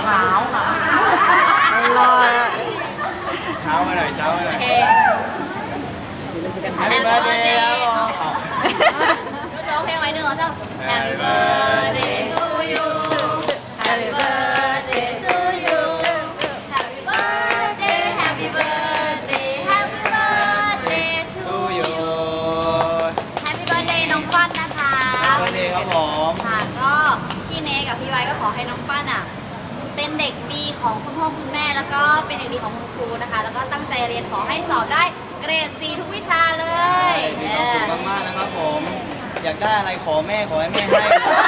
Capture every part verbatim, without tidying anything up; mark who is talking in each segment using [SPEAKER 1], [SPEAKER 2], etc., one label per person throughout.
[SPEAKER 1] เช้าค่ะรอเช้ามาหน่อยเช้ามาหน่อยแฮปปี้เบิร์ดเดย์
[SPEAKER 2] รู้จะร้องเพลงอะไรหนึ่งเหรอเจ้า Happy birthday to you Happy birthday to you Happy birthday Happy birthday Happy birthday to you Happy birthday น้องปั้นนะคะ
[SPEAKER 1] Happy birthday ครับผม
[SPEAKER 2] ค่ะก็พี่เนกับพี่ไว้ก็ขอให้น้องปั้นอ่ะเป็นเด็กดีของคุณพ่อคุณแม่แล้วก็เป็นเด็กดีของคุณครูนะคะแล้วก็ตั้งใจเรียนขอให้สอบได้เกรด ซี ทุกวิชาเลย
[SPEAKER 1] มีความสุขมากๆนะครับผมอยากได้อะไรขอแม่ขอให้แม่ให้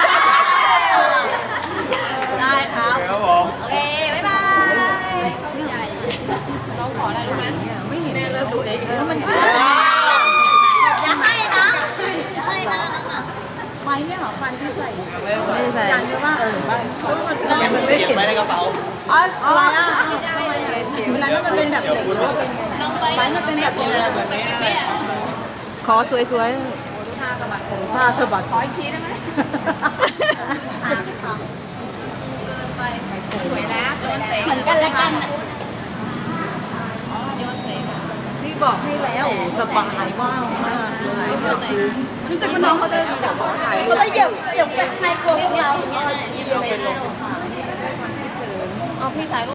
[SPEAKER 2] ได้ครับ
[SPEAKER 1] ครับผม
[SPEAKER 2] โอเคบ๊ายบายเข้าใจเราขออะไรรู้ไหมไม่เห็นแม่เลิกดูเองแล้วมันอย่าให้นะอย่าให้นะไม้เนี่ยหรอฟันที่ใส่ไม่ได้ใส่ยันหรือว่าเออว่า
[SPEAKER 1] เก็บไว้ในกระเป๋า
[SPEAKER 2] อ๋ออะไรอ่ะเวลามันเป็นแบบเหล็กหรือว่าเป็นไงไม้มันเป็นแบบนี้แบบนี้
[SPEAKER 3] ขอสวย
[SPEAKER 2] ๆท่าสะบัดผม
[SPEAKER 3] ท่าสะบัด
[SPEAKER 2] ขออีกทีได้ไหมสามสองเกินไปสวยนะโยนเสเหมือนกันและกันโยนเส
[SPEAKER 3] พี่บอกให้แล้วสบายว่างมาก
[SPEAKER 2] รู้สึกว่าน้องเขาเดินแบบว่าเขาจะเหยียบเหยียบไปในกลัวพวกเราเอาพี่ถ่ายรูป